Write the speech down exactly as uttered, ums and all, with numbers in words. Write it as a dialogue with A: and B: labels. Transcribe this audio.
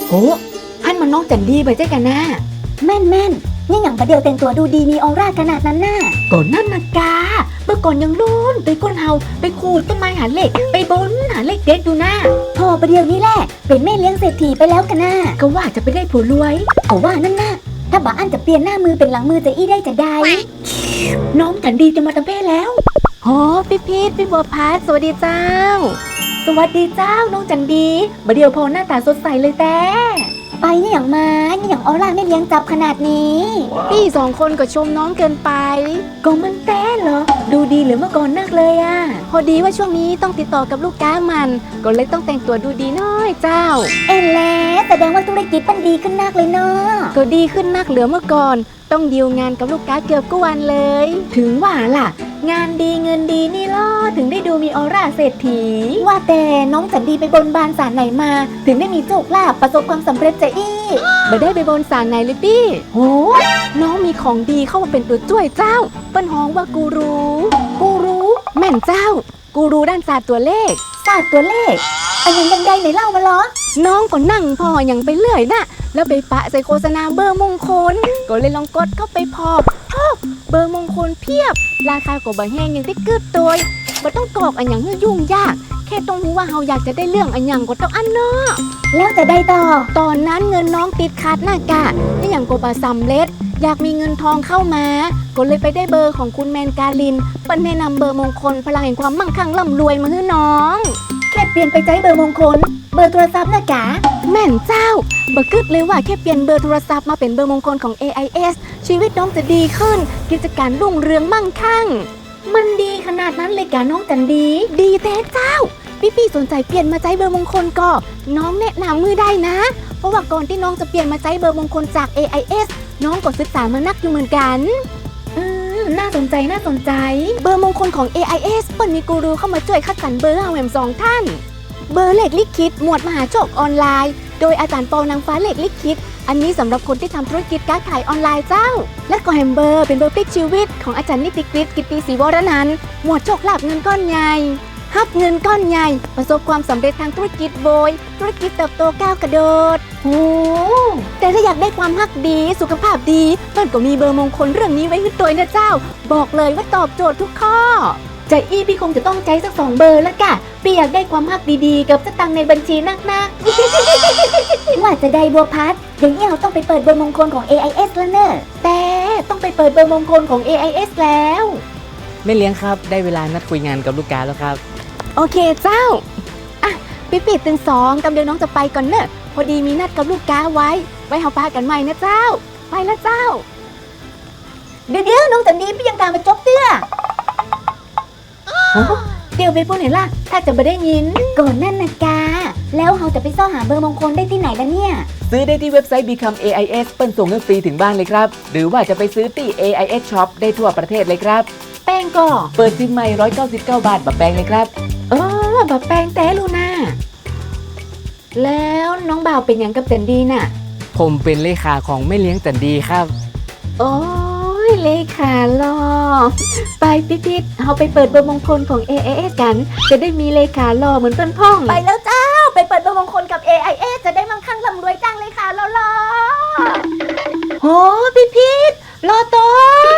A: โอ้ฮั่นมันน้องจันดีไปเจ๊กันนะ
B: แม่นแม่นนี่อย่างประเดี๋ยวแต่งตัวดูดีมีออร่าขนาดนั้นน่ะ
A: ก่อนนั่นนะกาเมื่อก่อนยังลุ้นไปก้นเฮาไปขูดต้นไม้หาเหล็กไปบนหาเหล็กเด็ดดูนะ
B: พอประเดี๋ยวนี้แหละเป็นแม่เลี้ยงเศรษฐีไปแล้วกันน่ะ
A: ก็ว่าจะไปได้ผัวรวย
B: ก็ว่านั่นน่ะถ้าบ่าอันจะเปลี่ยนหน้ามือเป็นหลังมือจะอี้ได้จะได้
A: น้องจันดีจะมาทำเพศแล้ว
C: โหพี่พีทพี่บัวพัดสวัสดีเจ้า
A: สวัสดีเจ้าน้องจันดีมาเดียวพอหน้าตาสดใสเลยแต่
B: ไปนี่อย่างมานี่อย่างออร่าไม่เลี้ยงจับขนาดนี้
C: พี่สองคนก็ชมน้องเกินไป
A: ก็มันแต่เหรอดูดีเหลือเมื่อก่อนนักเลยอ่ะ
C: พอดีว่าช่วงนี้ต้องติดต่อกับลูกค้ามันก็เลยต้องแต่งตัวดูดีน้อยเจ้า
B: เอ็นแล้วแสดงว่าธุรกิจมันดีขึ้นนักเลยเนาะ
C: ก็ดีขึ้นนักเหลือเมื่อก่อนต้องดีลงานกับลูกค้าเกือบทุกวันเลย
A: ถึงว่าล่ะงานดีเงินดีนี่ล่อถึงได้ดูมีออร่าเศรษฐี
B: ว่าแต่น้องจันดีไปบนบานศาลไหนมาถึงได้มีโชคลาภประสบความสำเร็จจะอี้
C: ไม่ได้ไปบนศาลไหนเลยพี่โหน้องมีของดีเข้ามาเป็นตัวช่วยเจ้าเปิ้นฮ้องว่ากูรู้
B: กูรู้
C: แม่นเจ้ากูรู้ด้านศาสตร์ตัวเลข
B: ศาสตร์ตัวเลขอันยังยังได้ไหนเล่ามาล้อ
C: น้องก็นั่งพออย่างไปเรื่อยน่ะแล้วไปปะใส่โฆษณาเบอร์มงคลก็เลยลองกดเข้าไปพอเบอร์มงคลเพียบราคาก็บ่แห้งอย่างที่กึดตัวบ่ต้องกรอกอันอย่างยุ่งยากแค่ต้องรู้ว่าเฮาอยากจะได้เรื่องอันอย่างก็ต้องอันเนาะ
B: แล้วจะได้ต่อ
C: ตอนนั้นเงินน้องติดขัดหน้ากะนี่อย่างก็บ่สำเร็จอยากมีเงินทองเข้ามาก็เลยไปได้เบอร์ของคุณแมนกาลินเปิ้นแนะนำเบอร์มงคลพลังแห่งความมั่งคั่งร่ำรวยมาให้น้อง
B: แค่เปลี่ยนไปใจเบอร์มงคลเบอร์โทรศัพท์นะกะ
C: แม่นเจ้าบ่กึดเลยว่าแค่เปลี่ยนเบอร์โทรศัพท์มาเป็นเบอร์มงคลของ เอ ไอ เอส ชีวิตน้องจะดีขึ้นกิจการรุ่งเรืองมั่งคั่ง
A: มันดีขนาดนั้นเลยกะน้องจันดี
C: ดีแท้เจ้าพี่ๆสนใจเปลี่ยนมาใจเบอร์มงคลก็น้องแนะนำมือได้นะเพราะว่าก่อนที่น้องจะเปลี่ยนมาใจเบอร์มงคลจาก เอ ไอ เอส น้องก็ศึกษามานักอยู่เหมือนกัน
A: อืมน่าสนใจน่าสนใจ
C: เบอร์มงคลของ เอ ไอ เอส เปิ้นมีกูรูเข้ามาช่วยคัดสรรเบอร์ให้แหม่มสองท่านเบอร์เลขลิขิตหมวดมหาโชคออนไลน์โดยอาจารย์ปอนางฟ้าเลขลิขิตอันนี้สำหรับคนที่ทำธุรกิจการขายออนไลน์เจ้าและก็แฮมเบอร์เป็นเบอร์พลิกชีวิตของอาจารย์นิติกฤษกิตติศรีวรนันท์หมวดโชคลาภเงินก้อนใหญ่ฮับเงินก้อนใหญ่ประสบความสำเร็จทางธุรกิจโบยธุรกิจเติบโตก้าวกระโดด
A: โอ้
C: แต่ถ้าอยากได้ความฮักดีสุขภาพดีเปิ้นก็มีเบอร์มงคลเรื่องนี้ไว้ให้ตัวนะเจ้าบอกเลยว่าตอบโจทย์ทุกข้อ
A: ใจอี้พี่คงจะต้องใจสักสองเบอร์แล้วกะพี่อยากได้ความฮักดีๆกับสตังค์ในบัญชีนัก
B: ๆว่าจะได้บัวพัดอย่างนี้เราต้องไปเปิดเบอร์มงคลของ เอ ไอ เอส แล้วเนอะ
A: แต่ต้องไปเปิดเบอร์มงคลของ เอ ไอ เอส แล้ว
D: แม่เลี้ยงครับได้เวลานัดคุยงานกับลูกค้าแล้วครับ
C: โอเคเจ้าอ่ะพี่ปิดตึงสองกำเดียวน้องจะไปก่อนเนอะพอดีมีนัดกับลูกค้าไว้ไว้เฮาปากันใหม่นะเจ้าไปแล้วเจ้า
B: เดี๋ยวๆน้องจันดีพี่ยังตามมาจบเตื้อ
A: เดี๋ยวไปพูดเห็นล่ะถ้าจะไม่ได้ยิน
B: ก่อนนั่นนะกาแล้วเราจะไปซ่อหาเบอร์มงคลได้ที่ไหนล่ะเนี่ย
D: ซื้อได้ที่เว็บไซต์ Become เอ ไอ เอส เปิ้ลส่งเงินฟรีถึงบ้านเลยครับหรือว่าจะไปซื้อที่ เอ ไอ เอส Shop ได้ทั่วประเทศเลยครับ
A: แป้งก็
D: เปิดซิมใหม่หนึ่งร้อยเก้าสิบเก้าบาทแบบแป้งเลยครับ
A: เออแบบแป้งแต่ลูน่าแล้วน้องบ่าวเป็นอย่างกับจันดีน่ะ
D: ผมเป็นเลขาของแม่เลี้ยงจันดีครับ
A: โอ้ยเลขาหล่อไปปิ๊ดๆเอาไปเปิดเบอร์มงคลของ เอ ไอ เอส กันจะได้มีเลขาหล่อเหมือนต้นพ่อง
B: ไปแล้วเจ้าไปเปิดเบอร์มงคลกับ เอ ไอ เอส จะได้มั่งคั่งร่ำรวยจ้างเลขาหล่อ
A: ๆโหปิ๊ดๆรอต้น